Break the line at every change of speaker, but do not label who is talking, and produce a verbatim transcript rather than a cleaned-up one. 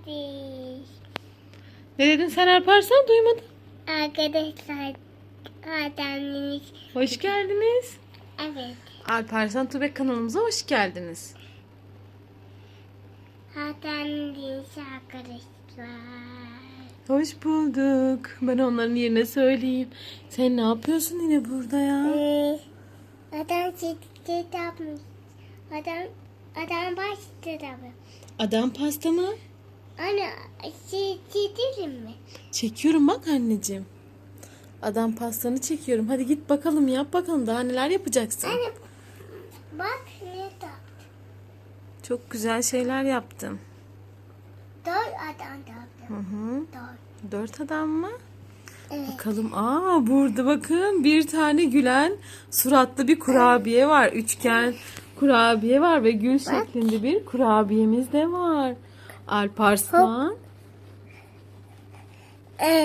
Ne dedin sen Alparslan, duymadım.
Arkadaşlar, adamınız.
Hoş geldiniz.
Evet.
Alparslan Tubek kanalımıza hoş geldiniz.
Adamınız arkadaşlar.
Hoş bulduk. Ben onların yerine söyleyeyim. Sen ne yapıyorsun yine burada ya?
Ee, adam çiçek yapmış. Adam, adam başladı abi.
Adam pasta mı?
Anne, şey, çizelim mi?
Çekiyorum bak anneciğim. Adam pastanı çekiyorum. Hadi git bakalım, yap bakalım. Daha neler yapacaksın?
Anne, bak ne da.
Çok güzel şeyler yaptın.
Dört adam da.
Hı hı.
Dört.
Dört adam mı?
Evet.
Bakalım. Aa, burada bakın bir tane gülen suratlı bir kurabiye var. Üçgen kurabiye var ve gül şeklinde bir kurabiyemiz de var. Alparslan.
Evet.